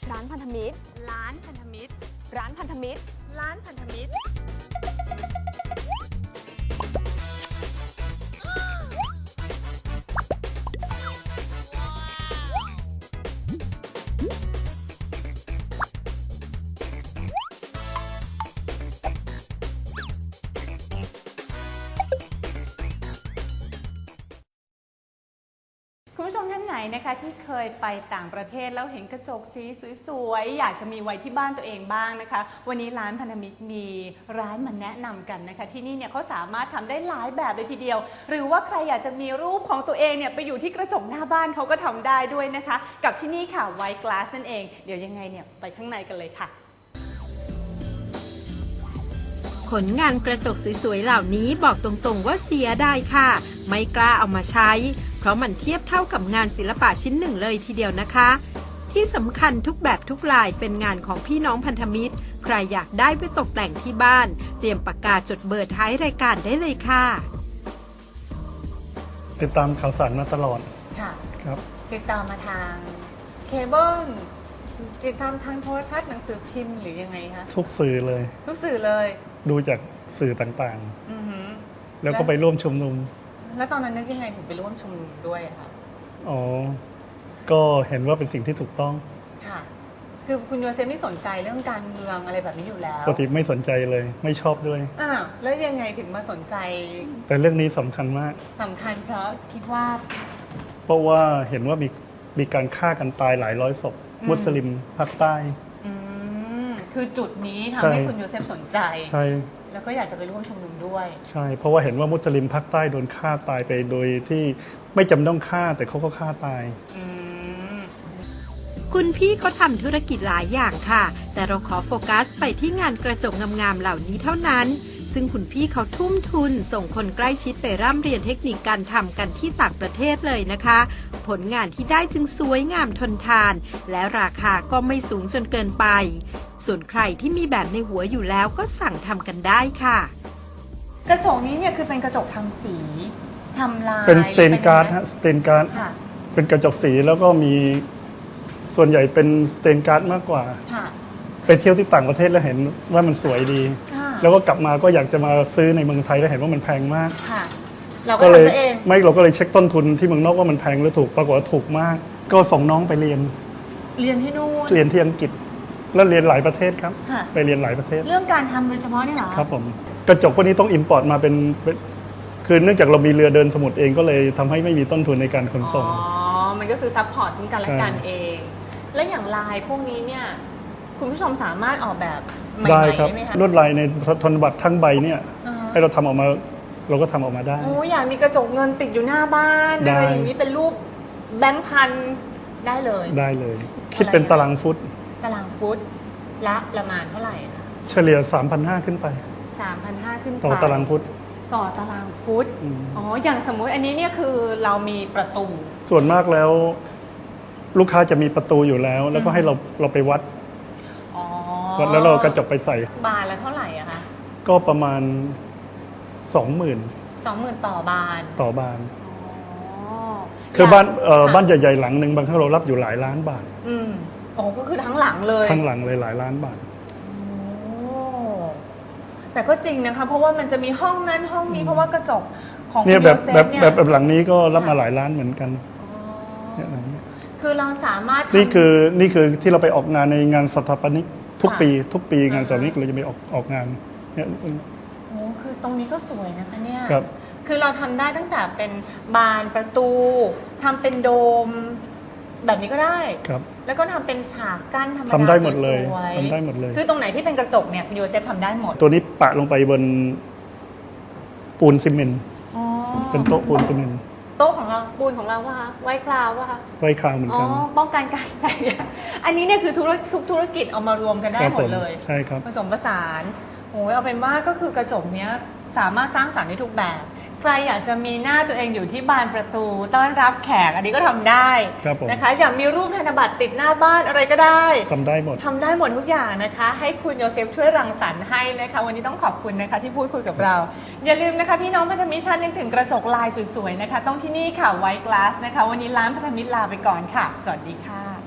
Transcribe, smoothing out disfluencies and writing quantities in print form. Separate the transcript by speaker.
Speaker 1: ร้านพันธมิตร
Speaker 2: ร้านพันธมิตร
Speaker 1: ร้านพันธมิตร
Speaker 2: ร้านพันธมิตร
Speaker 3: คุณผู้ชมท่านไหนนะคะที่เคยไปต่างประเทศแล้วเห็นกระจกสีสวยๆอยากจะมีไว้ที่บ้านตัวเองบ้างนะคะวันนี้ร้านพันธมิตรมีร้านมาแนะนำกันนะคะที่นี่เนี่ยเขาสามารถทำได้หลายแบบเลยทีเดียวหรือว่าใครอยากจะมีรูปของตัวเองเนี่ยไปอยู่ที่กระจกหน้าบ้านเขาก็ทำได้ด้วยนะคะกับที่นี่ค่ะ White Glass นั่นเองเดี๋ยวยังไงเนี่ยไปข้างในกันเลยค่ะ
Speaker 4: ผลงานกระจกสวยๆเหล่านี้บอกตรงๆว่าเสียดายค่ะไม่กล้าเอามาใช้เพราะมันเทียบเท่ากับงานศิลปะชิ้นหนึ่งเลยทีเดียวนะคะที่สำคัญทุกแบบทุกลายเป็นงานของพี่น้องพันธมิตรใครอยากได้ไปตกแต่งที่บ้านเตรียมปากกาจดเบอร์ท้ายรายการได้เลยค่ะ
Speaker 5: ติดตามข่าวสารมาตลอด
Speaker 3: ค่ะ
Speaker 5: ครับ
Speaker 3: ติดตามมาทางเคเบิลติดตามทางโทรทัศน์หนังสือพิมพ์หรือยังไงคะ
Speaker 5: ทุกสื่อเลย
Speaker 3: ทุกสื่อเลย
Speaker 5: ดูจากสื่อต่างๆแล้วก็ไปร่วมชุมนุม
Speaker 3: แล้วตอนนั้นนึกยังไงถึงไปร่วมชุมนุมด้วยคะ
Speaker 5: อ๋อก็เห็นว่าเป็นสิ่งที่ถูกต้อง
Speaker 3: ค่ะคือคุณโยเซฟนี่สนใจเรื่องการเมืองอะไรแบบนี้อยู่แล้ว
Speaker 5: ปกติไม่สนใจเลยไม่ชอบด้วย
Speaker 3: แล้วยังไงถึงมาสนใจ
Speaker 5: แต่เรื่องนี้สำคัญมาก
Speaker 3: สำคัญเพราะคิดว่า
Speaker 5: เพราะว่าเห็นว่ามีการฆ่ากันตายหลายร้อยศพมุสลิมภาคใต้
Speaker 3: คือจุดนี้ทำให้คุณโยเซฟสนใจ
Speaker 5: ใช่
Speaker 3: แล้วก็อยากจะไปร่วมชุมนุมด้วย
Speaker 5: ใช่เพราะว่าเห็นว่ามุสลิมภาคใต้โดนฆ่าตายไปโดยที่ไม่จำต้องฆ่าแต่เขาก็ฆ่าตาย
Speaker 4: คุณพี่เขาทำธุรกิจหลายอย่างค่ะแต่เราขอโฟกัสไปที่งานกระจกงามๆเหล่านี้เท่านั้นซึ่งคุณพี่เขาทุ่มทุนส่งคนใกล้ชิดไปร่ำเรียนเทคนิคการทำกันที่ต่างประเทศเลยนะคะผลงานที่ได้จึงสวยงามทนทานและราคาก็ไม่สูงจนเกินไปส่วนใครที่มีแบบในหัวอยู่แล้วก็สั่งทำกันได้ค่ะ
Speaker 3: กระจกนี้เนี่ยคือเป็นกระจกทำสีทำลาย
Speaker 5: เป็นสเตนการ์ดฮะสเตนการ์ดเป็นกระจกสีแล้วก็มีส่วนใหญ่เป็นสเตนการ์ดมากกว่าไปเที่ยวที่ต่างประเทศแล้วเห็นว่ามันสวยดีแล้วก็กลับมาก็อยากจะมาซื้อในเมืองไทยแล้วเห็นว่ามันแพงมาก
Speaker 3: เราก็เลย
Speaker 5: เราก็เลยเช็คต้นทุนที่เมืองนอกว่ามันแพงหรือถูกปรากฏว่าถูกมากก็ส่งน้องไปเรียน
Speaker 3: ที่นู่น
Speaker 5: เรียนที่อังกฤษแล้วเรียนหลายประเทศครับไปเรียนหลายประเทศ
Speaker 3: เรื่องการทำโดยเฉพาะเนี่ยเหรอ
Speaker 5: ครับผมกระจกพวกนี้ต้องอิมพอร์ตมาเป็นคือเนื่องจากเรามีเรือเดินสมุทรเองก็เลยทำให้ไม่มีต้นทุนในการขนส่ง
Speaker 3: มันก็คือซัพพอร์ตซึ่งกันและกันเองและอย่างลายพวกนี้เนี่ยคุณผู้ชมสามารถออกแบบใหม่ๆได้ไหมคะ
Speaker 5: ลวดลายในธนบัตรทั้งใบเนี่ยให้เราทำออกมาเราก็ทำออกมาได้
Speaker 3: อยากมีกระจกเงินติดอยู่หน้าบ้านอะไรอย่างนี้เป็นรูปแบงค์พันได้
Speaker 5: เลยคิดเป็นตารางฟุต
Speaker 3: ละประมาณเท่าไหร่คะ
Speaker 5: เฉลี่ย 3,500 ขึ้นไป
Speaker 3: 3,500 ขึ้นไป
Speaker 5: ต่อตารางฟุต
Speaker 3: อย่างสมมุติอันนี้เนี่ยคือเรามีประตู
Speaker 5: ส่วนมากแล้วลูกค้าจะมีประตูอยู่แล้วแล้วก็ให้เราไปวัดแล้วเรากระจกไปใส่
Speaker 3: บานละเท่าไหร่อะคะ
Speaker 5: ก็ประมาณ 20,000
Speaker 3: ต่อบาน
Speaker 5: คือบ้านใหญ่ๆหลังหนึ่งบางครั้งเรารับอยู่หลายล้านบาท
Speaker 3: ก็คือทั้งหลังเลย
Speaker 5: หลายล้านบาท
Speaker 3: แต่ก็จริงนะคะเพราะว่ามันจะมีห้องนั้นห้องนี้เพราะว่ากระจกของ
Speaker 5: เนี่ยแบบหลังนี้ก็รับมาหลายล้านเหมือนกัน
Speaker 3: คือเราสามารถ
Speaker 5: นี่คือที่เราไปออกงานในงานสถาปนิกทุกปีงานสถาปนิกเราจะไปออกงานเนี่ย
Speaker 3: คือตรงนี้ก็สวยนะคะเนี่ย
Speaker 5: ครับ
Speaker 3: คือเราทำได้ตั้งแต่เป็นบานประตูทำเป็นโดมแบบนี้ก็ได้
Speaker 5: ครับ
Speaker 3: แล้วก็ทำเป็นฉากกั้นธรรมดา
Speaker 5: ทำได้หมดเลย
Speaker 3: คือตรงไหนที่เป็นกระจกเนี่ยคุณโยเซฟทำได้หมด
Speaker 5: ตัวนี้ปะลงไปบนปูนซีเมนต์เป็นโต๊ะปูนซีเมนต์
Speaker 3: โต๊ะของเราปูนของเราว่าไวคลาวว่า
Speaker 5: ไวคลาวเหมือนกัน
Speaker 3: ป้องกันการแตกอันนี้เนี่ยคือทุกธุรกิจเอามารวมกันได้หมดเลย
Speaker 5: ใช่ครับ
Speaker 3: ผสมผสานเอาเป็นว่าก็คือกระจกเนี้ยสามารถสร้างสรรค์ได้ทุกแบบใครอยากจะมีหน้าตัวเองอยู่ที่บานประตูต้อนรับแขกอันนี้ก็ทำได้นะคะอยากมีรูปธนบัตรติดหน้าบ้านอะไรก็ได้
Speaker 5: ทำได้หมด
Speaker 3: ทุกอย่างนะคะให้คุณโยเซฟช่วยรังสรรค์ให้นะคะวันนี้ต้องขอบคุณนะคะที่พูดคุยกับเราอย่าลืมนะคะพี่น้องพันธมิตรท่านนึกถึงกระจกลายสวยๆนะคะต้องที่นี่ค่ะ White Glass นะคะวันนี้ร้านพันธมิตรลาไปก่อนค่ะสวัสดีค่ะ